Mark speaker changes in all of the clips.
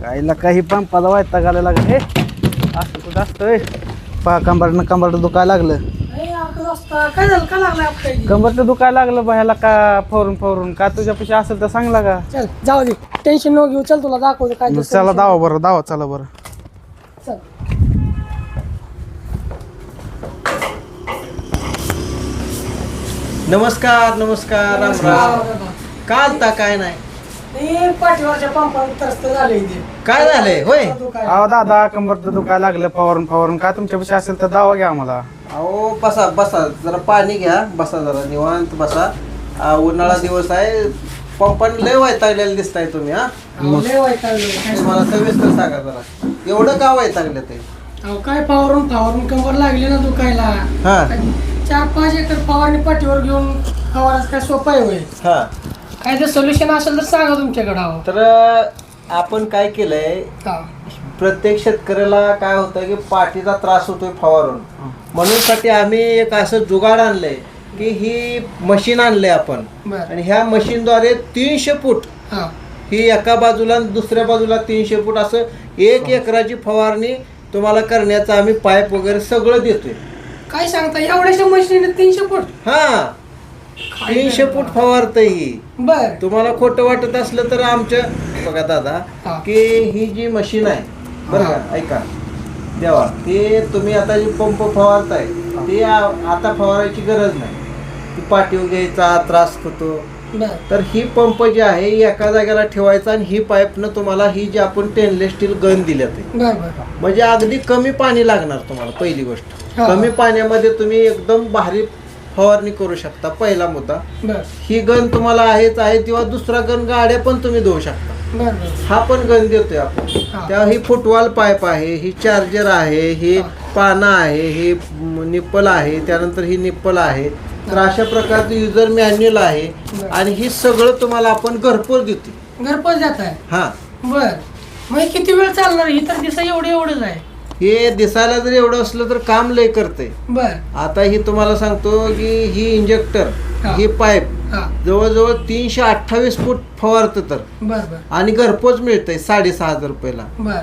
Speaker 1: कायला काही पंपाला वायता घालायला लागलं हे असं कुठं असतंय पा कंबरनं दुखायला लागलं.
Speaker 2: काय झालं का लागलं आपल्याला?
Speaker 1: कंबरचं दुखायला लागलं बाह्याला का फवरून का तुझ्या पैसे असेल तर सांग लागा.
Speaker 2: चल जाऊ दे, टेन्शन नको घेऊ. चल तुला दाखवतो काय ते
Speaker 1: चला दावा चला बरं.
Speaker 2: चल.
Speaker 3: नमस्कार राम राम. का आलता? काय नाही,
Speaker 2: पाठीवरच्या पंपावर त्रस्त झाले इथे.
Speaker 3: काय झालंय? होय
Speaker 1: अहो दादा कंबरचं दुखायला लागलं फवरून का तुमच्या पैसे असेल तर दावा घ्या आम्हाला.
Speaker 3: अहो बसा जरा पाणी घ्या, बसा जरा निवांत बसा. उन्हाळा दिवस आहे, पंपाने लय वैतागलेलं दिसताय तुम्ही.
Speaker 2: लय वैतागले.
Speaker 3: तुम्हाला सविस्तर सांगा जरा, एवढं का वैतागले ते?
Speaker 2: अहो काय फवारून कंबर लागली ना दुखायला.
Speaker 3: हा
Speaker 2: 4-5 एकर फवारणी पाठीवर घेऊन फवारायचं काय सोपं आहे होय?
Speaker 3: हा
Speaker 2: काय ते सोल्युशन असेल तर सांगा तुमच्याकडे. अहो
Speaker 3: तर आपण काय केलंय,
Speaker 2: हा.
Speaker 3: प्रत्येक शेतकऱ्याला काय होतं की पाठीचा त्रास होतोय फवारून, म्हणून साठी आम्ही एक असं जुगाड आणलंय की ही मशीन आणलंय आपण.
Speaker 2: बरं.
Speaker 3: आणि ह्या मशीनद्वारे 300 फूट
Speaker 2: हा.
Speaker 3: ही एका बाजूला आणि दुसऱ्या बाजूला 300 फूट असं 1 एकराची फवारणी तुम्हाला करण्याचं आम्ही पाईप वगैरे सगळं देतोय.
Speaker 2: काय सांगता एवढ्याशा मशीन 300 फूट?
Speaker 3: हा 300 फूट फवारतय ही.
Speaker 2: बर.
Speaker 3: तुम्हाला खोटं वाटत असलं तर आमच्या बघा दादा
Speaker 2: हा.
Speaker 3: की ही जी मशीन आहे बरं का, ऐका देवा, ते तुम्ही आता जी पंप फवारताय ते आता फवारायची गरज नाही. ती पाठीवर घ्यायचा त्रास होतो.
Speaker 2: बर.
Speaker 3: तर ही पंप जी आहे ही एका जागेला ठेवायचा आणि ही पाईपनं तुम्हाला ही जी आपण स्टेनलेस स्टील गन दिल्यात आहे,
Speaker 2: बर बर.
Speaker 3: म्हणजे अगदी कमी पाणी लागणार तुम्हाला. पहिली गोष्ट,
Speaker 2: हा.
Speaker 3: कमी पाण्यामध्ये तुम्ही एकदम भारी फवारणी करू शकता. पहिला मुद्दा,
Speaker 2: बर
Speaker 3: ही गन तुम्हाला आहेच आहे किंवा दुसरा गन गाड्या पण तुम्ही देऊ शकता.
Speaker 2: बर बर.
Speaker 3: हा पण गन देतोय आपण.
Speaker 2: हा.
Speaker 3: त्या ही फुटवाल पाईप आहे, ही चार्जर आहे, ही
Speaker 2: हा.
Speaker 3: पानं आहे, ही निप्पल आहे, त्यानंतर ही निप्पल आहे. तर अशा प्रकारचं युजर मॅन्युअल आहे
Speaker 2: बरं.
Speaker 3: आणि ही सगळं तुम्हाला आपण घरपोच देतो.
Speaker 2: घरपोच जात आहे.
Speaker 3: हा
Speaker 2: बर. मग किती वेळ चालणार? ही तर दिसा एवढंच आहे.
Speaker 3: हे दिसायला जर एवढं असलं तर काम लय करते.
Speaker 2: बर.
Speaker 3: आता ही तुम्हाला सांगतो की ही इंजेक्टर,
Speaker 2: हा.
Speaker 3: ही पाईप
Speaker 2: हा.
Speaker 3: जवळजवळ 328 फूट फवारतं तर,
Speaker 2: बर बर
Speaker 3: आणि घरपोच मिळतंय 6,500 रुपयाला.
Speaker 2: बर.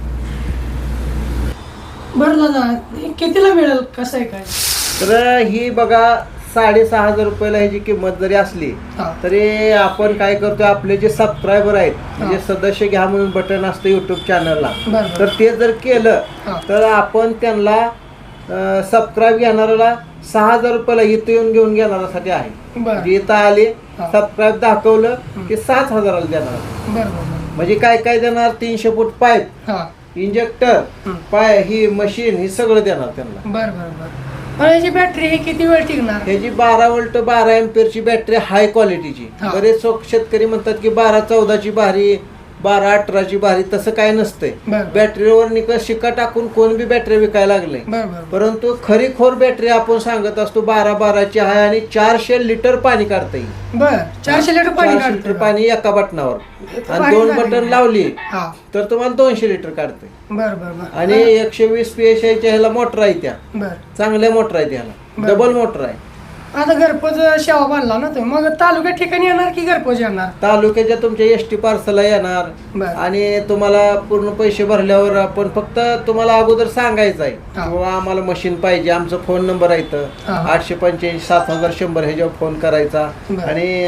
Speaker 2: बर दादा, हे कितीला मिळेल? कसं आहे काय?
Speaker 3: तर ही बघा 6,500 रुपयाला ह्याची किंमत जरी असली
Speaker 2: हा.
Speaker 3: तरी आपण काय करतोय, आपले जे सबस्क्रायबर आहेत, म्हणजे सदस्य घ्या म्हणून बटन असतं युट्यूब चॅनलला,
Speaker 2: बर
Speaker 3: तर
Speaker 2: बर.
Speaker 3: ते जर केलं
Speaker 2: हा.
Speaker 3: तर आपण त्यांना सबस्क्राईब घेणाऱ्याला 6,000 रुपयाला इथं येऊन घेऊन घेणाऱ्यासाठी आहे.
Speaker 2: बर
Speaker 3: इथं आले,
Speaker 2: हा.
Speaker 3: सबस्क्राईब दाखवलं की 7,000ला देणार.
Speaker 2: बर बर.
Speaker 3: म्हणजे काय काय देणार, 300 फूट पाईप,
Speaker 2: हा.
Speaker 3: इंजेक्टर, पाय, ही मशीन, ही सगळं देणार त्यांना.
Speaker 2: बर बर बर. पण याची बॅटरी हे किती वेळ टिकणार?
Speaker 3: ह्याची 12 वोल्ट 12 एम्पियरची बॅटरी, हाय क्वालिटीची.
Speaker 2: हा.
Speaker 3: बरेच शेतकरी म्हणतात की 12-14ची भारी, 12-18ची भारी, तसं काय नसतंय.
Speaker 2: बर.
Speaker 3: बॅटरीवर निकष शिक्का टाकून कोण बी बॅटरी विकायला लागले,
Speaker 2: बर बर.
Speaker 3: परंतु खरीखोर बॅटरी आपण सांगत असतो 12-12ची आहे आणि 400 लिटर पाणी काढता येईल.
Speaker 2: बर. 400 लिटर पाणी
Speaker 3: 400 लिटर
Speaker 2: काढतो.
Speaker 3: पाणी एका बटनावर, आणि
Speaker 2: भारी
Speaker 3: 2
Speaker 2: झाली.
Speaker 3: बटन लावली
Speaker 2: हा.
Speaker 3: तर तुम्हाला 200 लिटर काढते.
Speaker 2: बर बर बर.
Speaker 3: आणि 120 PSI च्या ह्याला मोटर आहे, त्या
Speaker 2: बर.
Speaker 3: चांगल्या मोटर आहे, त्याला
Speaker 2: बर.
Speaker 3: डबल मोटर आहे.
Speaker 2: आता घरपोच सेवा बांधला ना तुम्ही, मग तालुक्या ठिकाणी येणार की घरपोच येणार?
Speaker 3: तालुक्याच्या तुमच्या एसटी पार्सलला येणार
Speaker 2: बर.
Speaker 3: आणि तुम्हाला पूर्ण पैसे भरल्यावर आपण फक्त तुम्हाला अगोदर सांगायचं आहे
Speaker 2: हा.
Speaker 3: किंवा आम्हाला मशीन पाहिजे, आमचा फोन नंबर आहे इथं,
Speaker 2: हा.
Speaker 3: 885-7100 ह्याच्यावर फोन करायचा,
Speaker 2: बर.
Speaker 3: आणि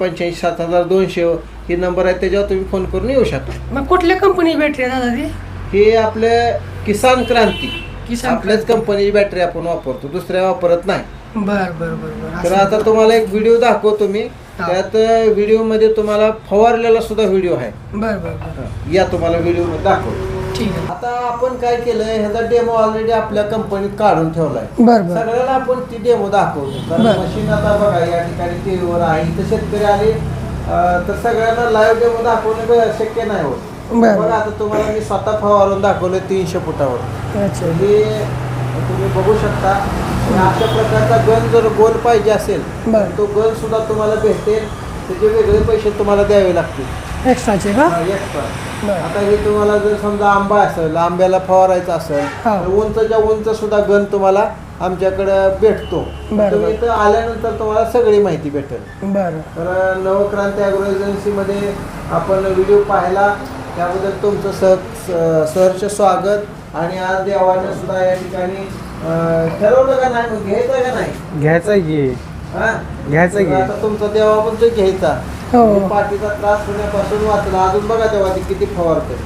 Speaker 3: 885-7200 ही नंबर आहे, त्याच्यावर तुम्ही फोन करून येऊ शकता.
Speaker 2: मग कुठल्या कंपनी बॅटरी आहे दादा ती?
Speaker 3: हे आपले किसान क्रांती,
Speaker 2: किसान
Speaker 3: आपल्याच कंपनीची बॅटरी आपण वापरतो, दुसऱ्या वापरत नाही.
Speaker 2: बर बर बर बर.
Speaker 3: तर आता तुम्हाला एक व्हिडिओ दाखवतो मी.
Speaker 2: हा.
Speaker 3: त्यात व्हिडिओ मध्ये तुम्हाला फवारलेला सुद्धा व्हिडिओ आहे.
Speaker 2: बर बर बर.
Speaker 3: या तुम्हाला व्हिडिओ मध्ये दाखवतो.
Speaker 2: ठीक आहे.
Speaker 3: आता आपण काय केलंय, ह्याचा डेमो ऑलरेडी आपल्या कंपनीत काढून ठेवलाय.
Speaker 2: बर बर.
Speaker 3: सगळ्याला आपण ती डेमो दाखवतो, कारण
Speaker 2: बरं.
Speaker 3: मशीन आता बघा या ठिकाणी टीव्हीवर आहे, इथं शेतकरी आले तर सगळ्यांना लाईव्ह डेमो दाखवणं शक्य नाही होत.
Speaker 2: बरं.
Speaker 3: बघा आता तुम्हाला मी स्वतः फवारून दाखवलं 300 फुटावर.
Speaker 2: अच्छा.
Speaker 3: हे तुम्ही बघू शकता. आणि अशा प्रकारचा गन जर गोल पाहिजे असेल
Speaker 2: बरं.
Speaker 3: तो गन सुद्धा तुम्हाला भेटेल, त्याचे वेगळे पैसे तुम्हाला द्यावे लागतील
Speaker 2: एक्स्ट्राचे का?
Speaker 3: एक्स्ट्रा.
Speaker 2: बरं.
Speaker 3: आता हे तुम्हाला जर समजा आंबा असेल, आंब्याला फवारायचा असेल
Speaker 2: हा.
Speaker 3: तर उंचच्या उंच सुद्धा गन तुम्हाला आमच्याकडे भेटतो.
Speaker 2: बरं.
Speaker 3: तुम्ही इथं आल्यानंतर तुम्हाला सगळी माहिती भेटेल.
Speaker 2: बरं.
Speaker 3: तर नवक्रांती ॲग्रो एजन्सीमध्ये आपण व्हिडिओ पाहायला त्याबद्दल तुमचं सहर्ष स्वागत. आणि आज देवाने सुद्धा या ठिकाणी ठरवलं का नाही, मग घ्यायचं का नाही?
Speaker 1: घ्यायचं की
Speaker 3: हा?
Speaker 1: घ्यायचं की.
Speaker 3: आता तुमचा देवा म्हणतो घ्यायचा.
Speaker 2: हो.
Speaker 3: पाठीचा त्रास होण्यापासून वाचला. अजून बघा तेव्हा ती किती फवारते,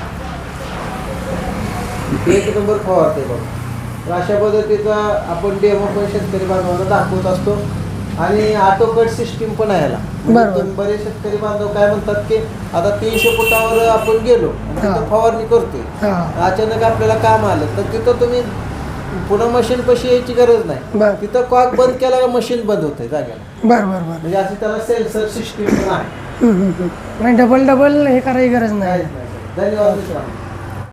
Speaker 3: एक नंबर फवारते बघ. तर अशा पद्धतीचा आपण डेमो पण शेतकरी बांधवांना दाखवत असतो. आणि ऑटो कट सिस्टीम पण आहे याला.
Speaker 2: बरोबर.
Speaker 3: तुम्ही बरेच शेतकरी बांधव काय म्हणतात की आता 300 फुटावर आपण गेलो आणि तिथं
Speaker 2: हा.
Speaker 3: फवारणी करतोय,
Speaker 2: हा.
Speaker 3: अचानक आपल्याला काम आलं तर तिथं तुम्ही पुन्हा मशीन पशी यायची गरज नाही.
Speaker 2: बर
Speaker 3: तिथं कॉक बंद केला का मशीन बंद होते जाग्याला.
Speaker 2: बर बर बर.
Speaker 3: म्हणजे अशी त्याला सेन्सर सिस्टीम पण आहे.
Speaker 2: नाही डबल हे करायची गरज नाही.
Speaker 3: काहीच नाही. धन्यवाद मित्रांनो.